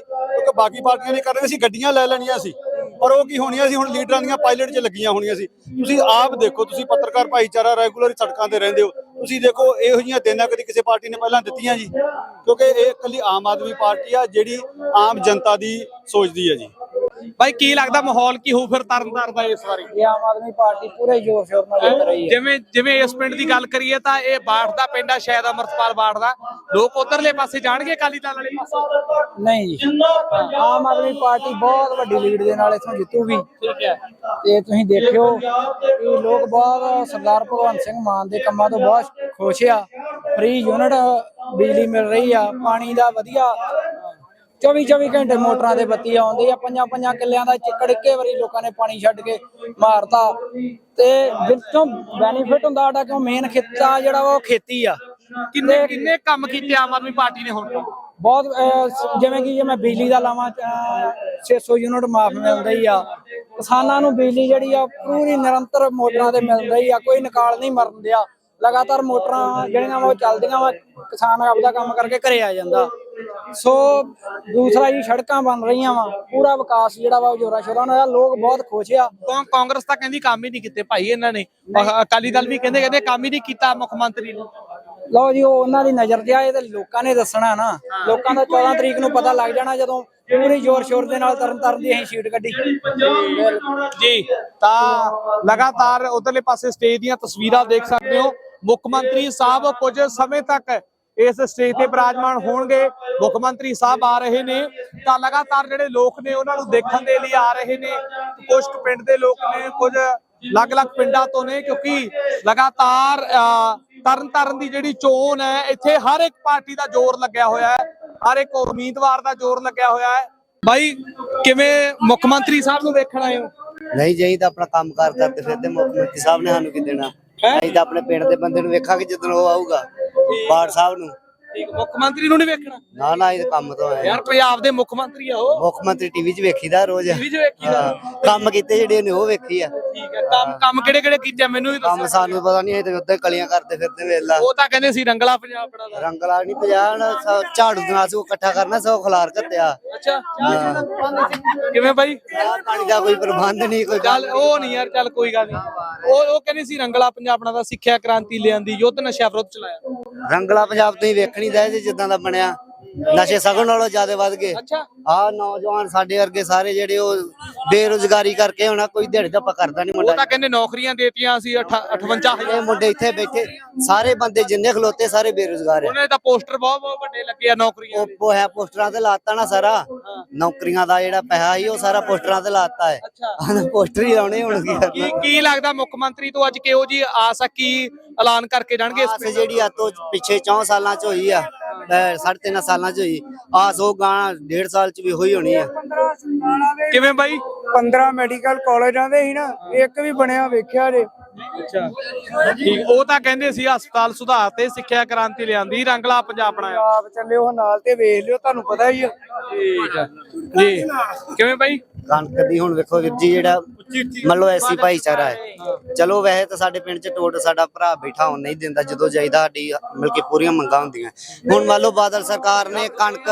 S6: ਅਸੀਂ ਗੱਡੀਆਂ ਲੈ ਲੈਣੀਆਂ ਸੀ, ਪਰ ਉਹ ਕੀ ਹੋਣੀਆਂ ਸੀ, ਹੁਣ ਲੀਡਰਾਂ ਦੀਆਂ ਪਾਇਲਟ 'ਚ ਲੱਗੀਆਂ ਹੋਣੀਆਂ ਸੀ। ਤੁਸੀਂ ਆਪ ਦੇਖੋ, ਤੁਸੀਂ ਪੱਤਰਕਾਰ ਭਾਈਚਾਰਾ ਰੈਗੂਲਰ ਸੜਕਾਂ ਤੇ ਰਹਿੰਦੇ ਹੋ, ਤੁਸੀਂ ਦੇਖੋ ਇਹੋ ਜਿਹੀਆਂ ਦੇਣਾ ਕਦੀ ਕਿਸੇ ਪਾਰਟੀ ਨੇ ਪਹਿਲਾਂ ਦਿੱਤੀਆਂ ਜੀ? ਕਿਉਂਕਿ ਇਹ ਇਕੱਲੀ ਆਮ ਆਦਮੀ ਪਾਰਟੀ ਆ ਜਿਹੜੀ ਆਮ ਜਨਤਾ ਦੀ ਸੋਚਦੀ ਹੈ ਜੀ।
S1: ਬਾਈ ਕੀ ਲੱਗਦਾ ਮਾਹੌਲ ਕੀ ਹੋਊ ਫਿਰ ਤਰਨਤਾਰਨ ਦਾ ਇਸ ਵਾਰੀ?
S8: ਇਹ ਆਮ ਆਦਮੀ ਪਾਰਟੀ ਪੂਰੇ ਜ਼ੋਰ ਸ਼ੋਰ ਨਾਲ ਜਿੱਤ ਰਹੀ ਹੈ।
S1: ਜਿਵੇਂ ਇਸ ਪਿੰਡ ਦੀ ਗੱਲ ਕਰੀਏ ਤਾਂ ਇਹ ਬਾੜ ਦਾ ਪਿੰਡ ਆ ਸ਼ਾਇਦ ਅਮਰਤਪਾਲ ਬਾੜ ਦਾ, ਲੋਕ ਉਧਰਲੇ ਪਾਸੇ ਜਾਣਗੇ ਅਕਾਲੀ ਦਲ ਵਾਲੇ ਪਾਸੇ?
S8: ਨਹੀਂ ਜੀ, ਆਮ ਆਦਮੀ ਪਾਰਟੀ ਬਹੁਤ ਵੱਡੀ ਲੀਡ ਦੇ ਨਾਲ ਇੱਥੋਂ ਜਿੱਤੂਗੀ।
S1: ਠੀਕ ਹੈ।
S8: ਤੇ ਤੁਸੀਂ ਦੇਖਿਓ ਕਿ ਲੋਕ ਬਹੁਤ ਸਰਦਾਰ ਭਗਵੰਤ ਸਿੰਘ ਮਾਨ ਦੇ ਕੰਮਾਂ ਤੋਂ ਬਹੁਤ ਖੁਸ਼ ਆ। ਫ੍ਰੀ ਯੂਨਿਟ ਬਿਜਲੀ ਮਿਲ ਰਹੀ ਆ, ਪਾਣੀ ਦਾ ਵਧੀਆ 24 ਘੰਟੇ ਮੋਟਰਾਂ ਦੇ ਬੱਤੀ ਆਉਂਦੀ ਆ। 5 ਕਿੱਲਿਆਂ ਦਾ ਚਿੱਕੜ ਇੱਕੇ ਵਾਰੀ ਲੋਕਾਂ ਨੇ ਪਾਣੀ ਛੱਡ ਕੇ ਮਾਰਤਾ। ਤੇ ਵਿੱਚੋਂ ਬੈਨੀਫਿਟ ਹੁੰਦਾ ਸਾਡਾ, ਕਿਉਂ ਮੇਨ ਖੇਤਾ ਜਿਹੜਾ ਵਾ ਉਹ ਖੇਤੀ ਆ।
S1: ਕਿੰਨੇ ਕੰਮ ਕੀਤੇ ਆਮ ਆਦਮੀ ਪਾਰਟੀ ਨੇ ਹੁਣ?
S8: ਬਹੁਤ ਜਿਵੇਂ ਕਿ ਜੇ ਮੈਂ ਬਿਜਲੀ ਦਾ ਲਾਵਾਂ 600 ਯੂਨਿਟ ਮਾਫ ਮਿਲਦਾ ਹੀ ਆ। ਕਿਸਾਨਾਂ ਨੂੰ ਬਿਜਲੀ ਜਿਹੜੀ ਆ ਪੂਰੀ ਨਿਰੰਤਰ ਮੋਟਰਾਂ ਤੇ ਮਿਲ ਰਹੀ ਆ, ਕੋਈ ਨਿਕਾਲ ਨਹੀਂ ਮਰਨ ਦਿਆ। ਲਗਾਤਾਰ ਮੋਟਰਾਂ ਜਿਹੜੀਆਂ ਵਾ ਉਹ ਚੱਲਦੀਆਂ ਵਾ, ਕਿਸਾਨ ਆਪਦਾ ਕੰਮ ਕਰਕੇ ਘਰੇ ਆ ਜਾਂਦਾ। ਸੋ ਦੂਸਰਾ ਜੀ, ਸੜਕਾਂ ਬਣ ਰਹੀਆਂ ਵਾ, ਪੂਰਾ ਵਿਕਾਸ ਜਿਹੜਾ ਵਾ ਜੋਰਾ ਸ਼ੋਰਾਂ ਨਾਲ, ਲੋਕ ਬਹੁਤ ਖੁਸ਼ ਆ।
S1: ਕਾਂਗਰਸ ਤਾਂ ਕਹਿੰਦੀ ਕੰਮ ਹੀ ਨਹੀਂ ਕੀਤੇ ਭਾਈ ਇਹਨਾਂ ਨੇ, ਅਕਾਲੀ ਦਲ ਵੀ ਕਹਿੰਦੇ ਕੰਮ ਹੀ ਨਹੀਂ ਕੀਤਾ ਮੁੱਖ ਮੰਤਰੀ ਨੇ।
S8: ਲਓ ਜੀ, ਉਹ ਉਹਨਾਂ ਦੀ ਨਜ਼ਰ ਤੇ ਆਏ ਤੇ ਲੋਕਾਂ ਨੇ ਦੱਸਣਾ ਨਾ। ਲੋਕਾਂ ਦਾ 14 ਤਰੀਕ ਨੂੰ ਪਤਾ ਲੱਗ ਜਾਣਾ, ਜਦੋਂ ਪੂਰੀ ਜ਼ੋਰ ਸ਼ੋਰ ਦੇ ਨਾਲ ਤਰਨਤਾਰਨ ਦੀ ਅਸੀਂ ਸੀਟ ਕੱਢੀ
S1: ਜੀ। ਤਾਂ ਲਗਾਤਾਰ ਉਧਰਲੇ ਪਾਸੇ ਸਟੇਜ ਦੀਆਂ ਤਸਵੀਰਾਂ ਦੇਖ ਸਕਦੇ ਹੋ। ਮੁੱਖ ਮੰਤਰੀ ਸਾਹਿਬ ਕੁਝ ਸਮੇਂ ਤੱਕ ਇਸ ਸਟੇਜ ਤੇ ਬਿਰਾਜਮਾਨ ਹੋਣਗੇ। ਮੁੱਖ ਮੰਤਰੀ ਸਾਹਿਬ ਆ ਰਹੇ ਨੇ ਤਾਂ ਲਗਾਤਾਰ ਜਿਹੜੇ ਲੋਕ ਨੇ ਉਹਨਾਂ ਨੂੰ ਦੇਖਣ ਦੇ ਲਈ ਆ ਰਹੇ ਨੇ। ਕੁਝ ਪਿੰਡ ਦੇ ਲੋਕ ਨੇ, ਕੁਝ ਅਲੱਗ-ਅਲੱਗ ਪਿੰਡਾਂ ਤੋਂ ਨੇ, ਕਿਉਂਕਿ ਲਗਾਤਾਰ ਤਰਨਤਾਰਨ ਦੀ ਜਿਹੜੀ ਚੋਣ ਹੈ ਇੱਥੇ ਹਰ ਇੱਕ ਪਾਰਟੀ ਦਾ ਜ਼ੋਰ ਲੱਗਿਆ ਹੋਇਆ ਹੈ, ਹਰ ਇੱਕ ਉਮੀਦਵਾਰ ਦਾ ਜ਼ੋਰ ਲੱਗਿਆ ਹੋਇਆ ਹੈ। ਬਾਈ ਕਿਵੇਂ ਮੁੱਖ ਮੰਤਰੀ ਸਾਹਿਬ ਨੂੰ ਵੇਖਣ ਆਏ ਹੋ?
S4: ਨਹੀਂ ਜਾਈ ਤਾਂ ਆਪਣਾ ਕੰਮ ਕਾਰ ਕਰਦੇ ਫਿਰਦੇ, ਮੁੱਖ ਮੰਤਰੀ ਸਾਹਿਬ ਨੇ ਸਾਨੂੰ ਕੀ ਦੇਣਾ? ਅਸੀਂ ਤਾਂ ਆਪਣੇ ਪਿੰਡ ਦੇ ਬੰਦੇ ਨੂੰ ਵੇਖਾਂਗੇ ਜਦੋਂ ਉਹ ਆਊਗਾ, ਬਾੜ ਸਾਹਿਬ ਨੂੰ।
S1: ਠੀਕ, ਮੁੱਖ ਮੰਤਰੀ ਨੂੰ ਨਹੀਂ ਵੇਖਣਾ?
S4: ਨਾ ਨਾ, ਇਹ ਕੰਮ ਤੋਂ ਆਏ
S1: ਯਾਰ ਪੰਜਾਬ ਦੇ ਮੁੱਖ ਮੰਤਰੀ ਆ ਉਹ।
S4: ਮੁੱਖ ਮੰਤਰੀ ਟੀਵੀ 'ਚ ਵੇਖੀਦਾ ਰੋਜ਼।
S1: ਟੀਵੀ 'ਚ ਵੇਖੀਦਾ?
S4: ਕੰਮ ਕੀਤੇ ਜਿਹੜੇ ਨੇ ਉਹ ਵੇਖੀ ਆ।
S1: ਠੀਕ ਹੈ। ਕੰਮ ਕਿਹੜੇ ਕੀਤੇ ਮੈਨੂੰ ਵੀ
S4: ਕੰਮ
S1: ਦੱਸੋ।
S4: ਸਾਨੂੰ ਪਤਾ ਨਹੀਂ, ਅਸੀਂ ਤਾਂ ਉੱਤੇ ਕਲੀਆਂ ਕਰਦੇ ਫਿਰਦੇ ਵੇਲਾ।
S1: ਉਹ ਤਾਂ ਕਹਿੰਦੇ ਸੀ ਰੰਗਲਾ ਪੰਜਾਬ ਬਣਾਦਾ।
S4: ਰੰਗਲਾ ਨਹੀਂ 50 ਝਾੜੂ ਦੇ ਨਾਲ ਸੋ ਇਕੱਠਾ ਕਰਨਾ, ਸੋ ਖਲਾਰ ਘੱਤਿਆ।
S1: ਅੱਛਾ, ਕਿਵੇਂ ਬਾਈ?
S4: ਪਾਣੀ ਦਾ ਕੋਈ ਪ੍ਰਬੰਧ ਨਹੀਂ, ਕੋਈ
S1: ਚੱਲ ਉਹ ਨਹੀਂ ਯਾਰ, ਚੱਲ ਕੋਈ ਗੱਲ ਨਹੀਂ। ਉਹ ਕਹਿੰਦੇ ਸੀ ਰੰਗਲਾ ਪੰਜਾਬ ਬਣਾਦਾ, ਸਿੱਖਿਆ ਕ੍ਰਾਂਤੀ ਲਿਆਂਦੀ, ਯੁੱਧ ਨਸ਼ਾ ਵਿਰੁੱਧ ਚਲਾਇਆ।
S4: ਰੰਗਲਾ ਪੰਜਾਬ ਤੁਸੀਂ ਵੇਖਣੀ ਦਾ ਜਿੱਦਾਂ ਦਾ ਬਣਿਆ, ਨਸ਼ੇ ਸਗੋਂ ਨਾਲੋਂ ਜ਼ਿਆਦਾ ਵੱਧ ਗਏ।
S1: ਅੱਛਾ।
S4: ਆਹ ਨੌਜਵਾਨ ਸਾਡੇ ਵਰਗੇ ਸਾਰੇ ਜਿਹੜੇ ਉਹ ਬੇਰੁਜ਼ਗਾਰੀ ਕਰਕੇ ਹੋਣਾ, ਕੋਈ ਦਿਹਾੜੀ ਦਾ ਕਰਦਾ ਨਹੀਂ
S1: ਉਹ
S4: ਮੁੰਡਾ।
S1: ਤਾਂ ਕਹਿੰਦੇ ਨੌਕਰੀਆਂ ਦੇਤੀਆਂ ਸੀ 58,000।
S4: ਇਹ ਮੁੰਡੇ ਇੱਥੇ ਬੈਠੇ ਸਾਰੇ ਬੰਦੇ ਜਿੰਨੇ ਖਲੋਤੇ ਸਾਰੇ ਬੇਰੁਜ਼ਗਾਰ ਆ।
S1: ਉਹਨੇ ਤਾਂ ਪੋਸਟਰ ਬਹੁਤ ਵੱਡੇ ਲੱਗੇ ਆ ਨੌਕਰੀਆਂ ਦੇ।
S4: ਉਹ ਹੈ ਪੋਸਟਰਾਂ ਤੇ ਲਾਤਾ ਨਾ ਸਾਰਾ, ਨੌਕਰੀਆਂ ਦਾ ਜਿਹੜਾ ਪੈਸਾ ਸੀ ਉਹ ਸਾਰਾ ਪੋਸਟਰਾਂ ਤੇ ਲਾਤਾ ਹੈ।
S1: ਅੱਛਾ,
S4: ਪੋਸਟਰ ਹੀ ਲਾਉਣੇ ਹੁਣ ਕੀ ਕਰਨਾ।
S1: ਕੀ ਲੱਗਦਾ ਮੁੱਖ ਮੰਤਰੀ ਤੋਂ ਅੱਜ ਕਿਹੋ ਜੀ ਆਸ ਆ, ਕੀ ਐਲਾਨ ਕਰਕੇ ਜਾਣਗੇ ਇਸ
S4: ਆਸ ਜਿਹੜੀ ਆ ਤੋਂ ਪਿੱਛੇ 4 ਸਾਲਾਂ ਚ ਹੋਈ ਆ, 3.5 ਸਾਲਾਂ ਚ ਹੋਈ ਆਸ, ਉਹ ਗਾਣਾ 1.5 ਸਾਲ ਚ ਵੀ ਹੋਈ ਹੋਣੀ ਆ।
S1: ਕਿਵੇਂ ਬਾਈ?
S8: 15 ਮੈਡੀਕਲ ਕਾਲਜਾਂ ਦੇ ਹੀ ਨਾ, ਇੱਕ ਵੀ ਬਣਿਆ ਵੇਖਿਆ ਜੇ।
S1: ਅੱਛਾ, ਠੀਕ। ਉਹ ਤਾਂ ਕਹਿੰਦੇ ਸੀ ਹਸਪਤਾਲ ਸੁਧਾਰ ਤੇ ਸਿੱਖਿਆ ਕ੍ਰਾਂਤੀ ਲਿਆਂਦੀ, ਰੰਗਲਾ ਪੰਜਾਬ ਬਣਾਇਆ।
S8: ਆਪ ਚੱਲਿਓ ਨਾਲ ਤੇ ਵੇਖ ਲਿਓ, ਤੁਹਾਨੂੰ ਪਤਾ ਹੀ ਆ।
S1: ਠੀਕ ਹੈ ਜੀ। ਕਿਵੇਂ ਬਾਈ?
S4: ਕਣਕ ਦੀ ਹੁਣ ਵੇਖੋ ਵੀਰ ਜੀ, ਜਿਹੜਾ ਮੰਨ ਲਓ ਐਸੀ ਭਾਈਚਾਰਾ ਹੈ, ਚਲੋ ਵੈਸੇ ਤਾਂ ਸਾਡੇ ਪਿੰਡ ਚ ਟੋਟ ਸਾਡਾ ਭਰਾ ਬੈਠਾ ਹੁਣ ਨਹੀਂ ਦਿੰਦਾ, ਜਦੋਂ ਜਾਈਦਾ ਸਾਡੀ ਮਿਲ ਕੇ ਪੂਰੀਆਂ ਮੰਗਾਂ ਹੁੰਦੀਆਂ। ਹੁਣ ਮੰਨ ਲਓ ਬਾਦਲ ਸਰਕਾਰ ਨੇ ਕਣਕ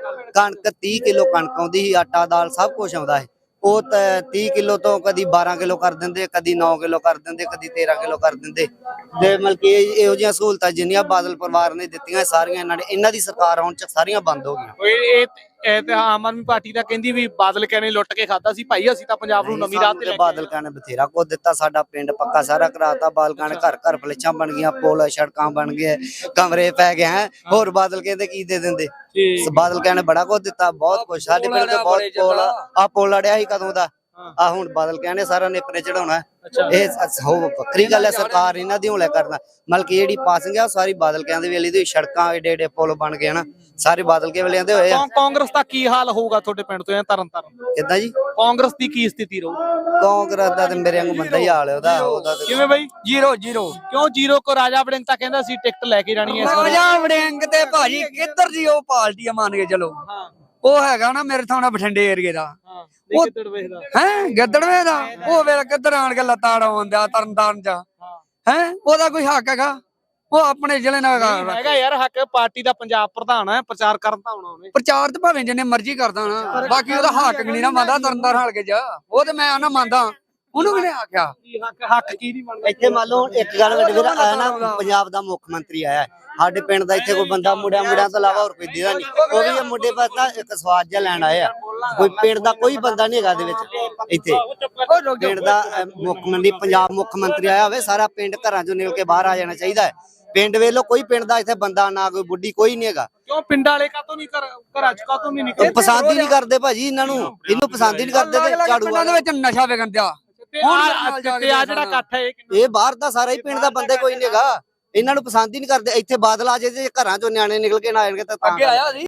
S4: 30 ਕਿਲੋ ਕਣਕ ਆਉਂਦੀ ਸੀ, ਆਟਾ ਦਾਲ ਸਭ ਕੁਝ ਆਉਂਦਾ ਹੈ, ਉਹ 30 ਕਿਲੋ ਤੋਂ ਕਦੀ 12 ਕਿਲੋ ਕਰ ਦਿੰਦੇ, ਕਦੀ 9 ਕਿਲੋ ਕਰ ਦਿੰਦੇ, ਕਦੀ 13 ਕਿਲੋ ਕਰ ਦਿੰਦੇ। ਤੇ ਮਤਲਬ ਕਿ ਇਹੋ ਜਿਹੀਆਂ ਸਹੂਲਤਾਂ ਜਿੰਨੀਆਂ ਬਾਦਲ ਪਰਿਵਾਰ ਨੇ ਦਿੱਤੀਆਂ ਸਾਰੀਆਂ ਇਹਨਾਂ ਦੀ ਸਰਕਾਰ ਆਉਣ ਚ ਸਾਰੀਆਂ ਬੰਦ ਹੋ ਗਈਆਂ।
S1: ਇਹ ਤੇ ਆਮ ਆਦਮੀ ਪਾਰਟੀ ਤਾਂ ਕਹਿੰਦੀ ਵੀ ਬਾਦਲ ਕਹਿੰਦੇ ਲੁੱਟ ਕੇ ਖਾਦਾ ਸੀ ਭਾਈ, ਅਸੀਂ ਤਾਂ ਪੰਜਾਬ ਨੂੰ ਨਵੀਂ ਰਾਹ ਤੇ ਲੈ ਕੇ
S4: ਬਾਦਲ ਕਹਿੰਦੇ ਬਥੇਰਾ ਕੁਝ ਦਿੱਤਾ, ਸਾਡਾ ਪਿੰਡ ਪੱਕਾ ਸਾਰਾ ਕਰਾਤਾ। ਬਾਦਲ ਕਹਿੰਦੇ ਘਰ ਫਲੇਛਾਂ ਬਣ ਗਈਆਂ, ਪੁਲ ਸੜਕਾਂ ਬਣ ਗਏ, ਕਮਰੇ ਪੈ ਗਏ ਹੈ। ਹੋਰ ਬਾਦਲ ਕਹਿੰਦੇ ਕੀ ਦੇ ਦਿੰਦੇ? ਬਾਦਲ ਕਹਿੰਦੇ ਬੜਾ ਕੁਝ ਦਿੱਤਾ, ਬਹੁਤ ਕੁਝ। ਸਾਡੇ ਪਿੰਡ ਤੇ ਬਹੁਤ ਪੁਲ ਆ, ਪੁਲ ਅੜਿਆ ਸੀ ਕਦੋਂ ਦਾ, ਆ ਹੁਣ ਬਾਦਲ ਕਹਿੰਦੇ ਸਾਰਾ ਨੇਪਰੇ ਚੜਾਉਣਾ। ਇਹ ਵੱਖਰੀ ਗੱਲ ਹੈ, ਸਰਕਾਰ ਇਹਨਾਂ ਦੀ ਹੌਲੇ ਕਰਨਾ। ਮਤਲਬ ਕਿ ਜਿਹੜੀ ਪਾਸਿੰਗ ਆ ਸਾਰੀ ਬਾਦਲ ਕਹਿੰਦੇ ਵੇਲੇ ਦੀ, ਸੜਕਾਂ ਏਡੇ ਪੁਲ ਬਣ ਗਏ ਨਾ, ਸਾਰੇ ਬਾਦਲ ਕੇ ਵੇਲੇ ਦੇ ਹੋਏ ਆ।
S1: ਕਾਂਗਰਸ ਦਾ ਕੀ ਹਾਲ ਹੋਊਗਾ ਤੁਹਾਡੇ ਪਿੰਡ ਤੋਂ ਤਰਨਤਾਰਨ?
S4: ਕਿੱਦਾਂ ਜੀ?
S1: ਕਾਂਗਰਸ ਦੀ ਕੀ ਸਥਿਤੀ ਰਹੂ?
S4: ਕਾਂਗਰਸ ਦਾ ਤੇ ਮੇਰੇ ਵਾਂਗੂ ਬੰਦਾ ਹੀ ਹਾਲ ਹੈ ਉਹਦਾ।
S1: ਕਿਵੇਂ ਬਾਈ?
S8: 0
S1: ਕਿਉਂ 0 ਕੋ? ਰਾਜਾ ਵੜਿੰਗ ਤਾਂ ਕਹਿੰਦਾ ਸੀ ਟਿਕਟ ਲੈ ਕੇ ਜਾਣੀ ਹੈ ਇਸ ਵਾਰ।
S8: ਰਾਜਾ ਵੜਿੰਗ ਤੇ ਭਾਜੀ ਕਿੱਧਰ ਦੀ ਉਹ ਪਾਰਟੀ ਆ, ਮੰਨ ਕੇ ਚਲੋ। ਉਹ ਹੈਗਾ ਨਾ ਮੇਰੇ ਥਾਣਾ ਬਠਿੰਡੇ ਏਰੀਏ ਦਾ, ਗਿੱਦੜਵੇ ਦਾ। ਉਹ ਵੇਲੇ ਕਿੱਧਰ ਆਣ ਕੇ ਲੱਤਾਂ ਆਉਂਦਾ ਤਰਨਤਾਰਨ ਚ ਹੈ, ਉਹਦਾ ਕੋਈ ਹੱਕ ਹੈਗਾ? ਉਹ ਆਪਣੇ ਜ਼ਿਲ੍ਹੇ ਨਾਲ
S1: ਹੈਗਾ ਯਾਰ ਹੱਕ, ਪਾਰਟੀ ਦਾ ਪੰਜਾਬ ਪ੍ਰਧਾਨ ਹੈ, ਪ੍ਰਚਾਰ ਕਰਨ ਤਾਂ ਆਉਣਾ ਉਹਨੇ।
S8: ਪ੍ਰਚਾਰ ਤੇ ਭਾਵੇਂ ਜਿੰਨੇ ਮਰਜ਼ੀ ਕਰਦਾ ਨਾ, ਬਾਕੀ ਉਹਦਾ ਹੱਕ ਨਹੀਂ ਨਾ ਮੰਨਦਾ ਤਰਨਤਾਰਨ ਹਲਕੇ ਚ। ਉਹ ਤੇ ਮੈਂ ਨਾ ਮੰਨਦਾ, ਉਹਨੂੰ ਕਿਹਨੇ ਆਖਿਆ
S1: ਹੱਕ ਕੀ ਨਹੀਂ ਬਣਦਾ?
S4: ਇੱਥੇ ਮੰਨ ਲਓ ਇੱਕ ਗੱਲ ਵੱਡੇ ਵੀਰ ਆਇਆ ਨਾ, ਪੰਜਾਬ ਦਾ ਮੁੱਖ ਮੰਤਰੀ ਆਇਆ, ਸਾਡੇ ਪਿੰਡ ਦਾ ਇੱਥੇ ਕੋਈ ਬੰਦਾ ਮੁੰਡਿਆਂ ਤੋਂ ਇਲਾਵਾ ਹੋਰ ਕੋਈ ਦਿਖਦਾ ਨਹੀਂ। ਉਹ ਵੀ ਇਹ ਮੁੰਡੇ ਬਸ ਨਾ ਇੱਕ ਸਵਾਦ ਜਿਹਾ ਲੈਣ ਆਏ ਆ। ਕੋਈ ਪਿੰਡ ਦਾ ਕੋਈ ਬੰਦਾ ਨਹੀਂ ਹੈਗਾ ਇਹਦੇ ਵਿੱਚ। ਇੱਥੇ ਪਿੰਡ ਦਾ ਮੁੱਖ ਮੰਤਰੀ, ਪੰਜਾਬ ਮੁੱਖ ਮੰਤਰੀ ਆਇਆ ਹੋਵੇ, ਸਾਰਾ ਪਿੰਡ ਘਰਾਂ ਚੋਂ ਨਿਕਲ ਕੇ ਬਾਹਰ ਆ ਜਾਣਾ ਚਾਹੀਦਾ ਹੈ। ਪਿੰਡ ਵੇਲੋ ਕੋਈ ਪਿੰਡ ਦਾ ਇੱਥੇ ਬੰਦਾ ਨਾ ਕੋਈ ਬੁੱਢੀ ਕੋਈ ਨਹੀਂ ਹੈਗਾ।
S1: ਕਿਉਂ ਪਿੰਡਾਂ ਵਾਲੇ ਕਾਤੋਂ ਨਹੀਂ ਘਰਾਂ ਚ ਕਾਤੋਂ ਨਹੀਂ ਨਿਕਲਦੇ?
S4: ਪਸੰਦ ਹੀ ਨਹੀਂ ਕਰਦੇ ਭਾਜੀ ਇਹਨਾਂ ਨੂੰ, ਇਹਨੂੰ ਪਸੰਦ ਹੀ ਨਹੀਂ ਕਰਦੇ ਤੇ ਝਾੜੂ
S8: ਪਿੰਡਾਂ ਦੇ ਵਿੱਚ ਨਸ਼ਾ ਵਿਕਣ ਦਿਆ।
S1: ਤੇ ਆ ਜਿਹੜਾ ਇਕੱਠ ਹੈ ਇਹ ਕਿੰਨਾ?
S4: ਇਹ ਬਾਹਰ ਦਾ ਸਾਰਾ ਹੀ ਪਿੰਡ ਦਾ ਬੰਦੇ ਕੋਈ ਨਹੀਂ ਹੈਗਾ। ਇਹਨਾਂ ਨੂੰ ਪਸੰਦ ਹੀ ਨਹੀਂ ਕਰਦੇ। ਇੱਥੇ ਬਾਦਲ ਆ ਜੇ ਤੇ ਘਰਾਂ ਚੋਂ ਨਿਆਣੇ ਨਿਕਲ ਕੇ ਨਾ ਆਣਗੇ ਤਾਂ
S8: ਅੱਗੇ ਆਇਆ ਸੀ